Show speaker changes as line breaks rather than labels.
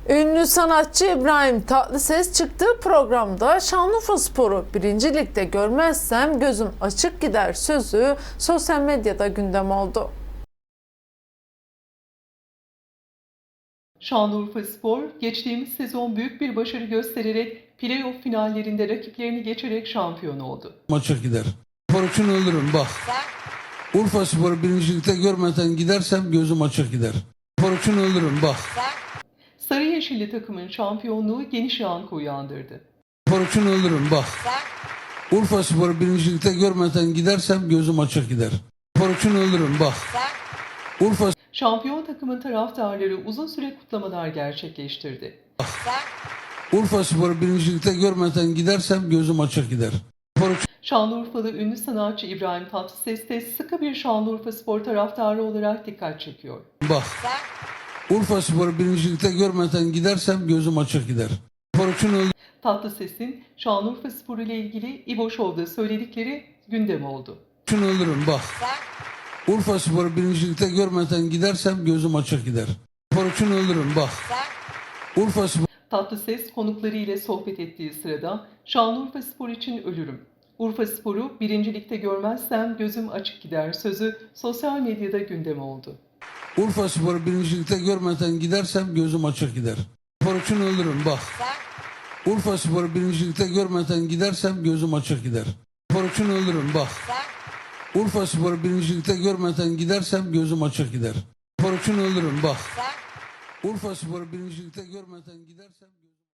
Ünlü sanatçı İbrahim Tatlıses çıktığı programda Şanlıurfaspor'u 1. Lig'de görmezsem gözüm açık gider sözü sosyal medyada gündem oldu.
Şanlıurfaspor, geçtiğimiz sezon büyük bir başarı göstererek playoff finallerinde rakiplerini geçerek şampiyon oldu.
Maça gider. Spor için ölürüm bak. Urfaspor'u 1. Lig'de görmeden gidersem gözüm açık gider. Spor için ölürüm bak.
Sarı Yeşilli takımın şampiyonluğu geniş yankı uyandırdı.
Spor için ölürüm bak. Urfaspor'u 1. Lig'de görmeden gidersem gözüm açık gider. Spor için ölürüm bak.
Şampiyon takımın taraftarları uzun süre kutlamalar gerçekleştirdi.
Urfaspor'u 1. Lig'de görmeden gidersem gözüm açık gider.
Şanlıurfalı ünlü sanatçı İbrahim Tatlıses de sıkı bir Şanlıurfaspor taraftarı olarak dikkat çekiyor.
Bak. Urfaspor'u 1. Lig'de görmeden gidersem gözüm açık gider. Spor için ölürüm.
Tatlıses'in Şanlıurfaspor ile ilgili İbo Show'da söyledikleri gündem oldu.
için ölürüm bak. Urfaspor'u 1. Lig'de görmeden gidersem gözüm açık gider. Spor için ölürüm bak.
Tatlıses konukları ile sohbet ettiği sırada Şanlıurfaspor için ölürüm. Urfaspor'u 1. Lig'de görmezsem gözüm açık gider sözü sosyal medyada gündem oldu.
Urfaspor'u 1. Lig'de görmeden gidersem gözüm açık gider. Spor için ölürüm bak. Urfaspor'u 1. Lig'de görmeden gidersem gözüm açık gider. Spor için ölürüm bak. Urfaspor'u 1. Lig'de görmeden gidersem gözüm açık gider. Spor için ölürüm bak. Urfaspor'u 1. Lig'de görmeden gidersem